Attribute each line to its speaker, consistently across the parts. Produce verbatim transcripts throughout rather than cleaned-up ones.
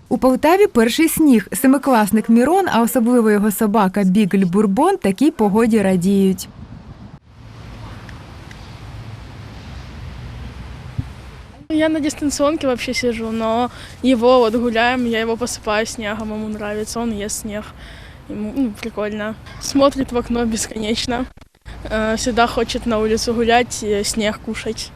Speaker 1: У Полтаві перший сніг. Семикласник Мірон, а особливо його собака Бігль Бурбон такій погоді радіють.
Speaker 2: Я на дистанционке вообще сижу, но его вот гуляем, я его посыпаю снегом, ему нравится, он ест снег. Ему ну, прикольно. Смотрит в окно бесконечно. Э, Всегда хочет на улицу гулять, и снег кушать.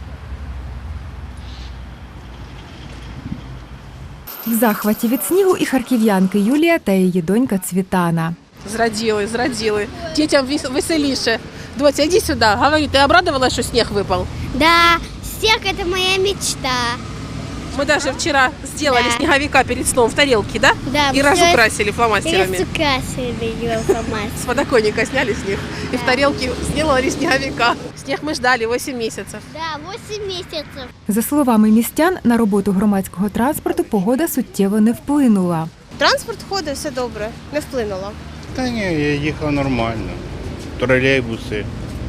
Speaker 1: В захваті від снігу і харків'янки Юлія та її донька Цвітана.
Speaker 3: Зраділи, зраділи. Дітям вес- веселіше. Доця, іди сюди. Говори, ти обрадувалась, що сніг випав?
Speaker 4: Да, снег – это моя мечта.
Speaker 3: Мы даже вчера сделали
Speaker 4: Да.
Speaker 3: снеговика перед сном в тарелке, да?
Speaker 4: Да,
Speaker 3: И
Speaker 4: мы
Speaker 3: разукрасили фломастерами.
Speaker 4: разукрасили его
Speaker 3: С подоконника сняли снег. И в
Speaker 4: Да.
Speaker 3: тарелке сделали снеговика. Снег мы ждали восемь месяцев.
Speaker 4: Да, восемь месяцев.
Speaker 1: За словами містян, на роботу громадського транспорту погода суттєво не вплинула.
Speaker 5: Транспорт ходить, все добре, не вплинуло.
Speaker 6: Та ні, я їхав нормально. Тролейбуси,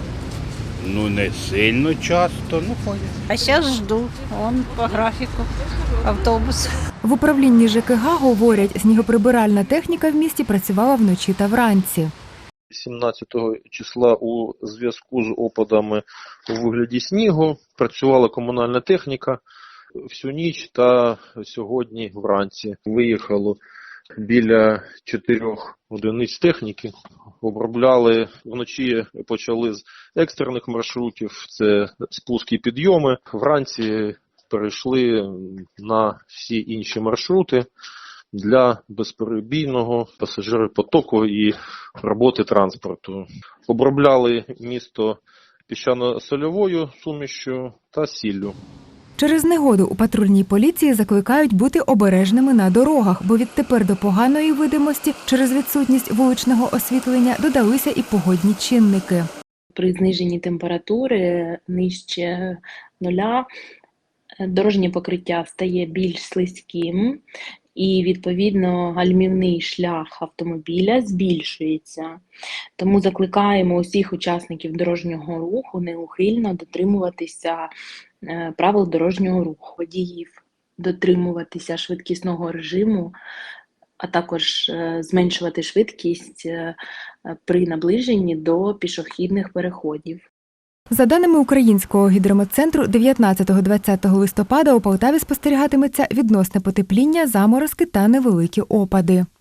Speaker 6: ну не сильно часто, ну ходять.
Speaker 7: А сейчас жду, он по графику, автобус.
Speaker 1: В управлінні ЖКГ говорять, снігоприбиральна техніка в місті працювала вночі та вранці.
Speaker 8: сімнадцятого числа у зв'язку з опадами у вигляді снігу працювала комунальна техніка всю ніч та сьогодні вранці. Виїхало біля чотирьох одиниць техніки. Обробляли вночі, почали з екстрених маршрутів, це спуски і підйоми. Вранці перейшли на всі інші маршрути для безперебійного пасажиропотоку і роботи транспорту. Обробляли місто піщано-сольовою сумішю та сіллю.
Speaker 1: Через негоду у патрульній поліції закликають бути обережними на дорогах, бо відтепер до поганої видимості через відсутність вуличного освітлення додалися і погодні чинники.
Speaker 9: При зниженні температури нижче нуля дорожнє покриття стає більш слизьким і, відповідно, гальмівний шлях автомобіля збільшується. Тому закликаємо усіх учасників дорожнього руху неухильно дотримуватися е, правил дорожнього руху, водіїв, дотримуватися швидкісного режиму, а також е, зменшувати швидкість е, при наближенні до пішохідних переходів.
Speaker 1: За даними Українського гідрометцентру, дев'ятнадцятого-двадцятого листопада у Полтаві спостерігатиметься відносне потепління, заморозки та невеликі опади.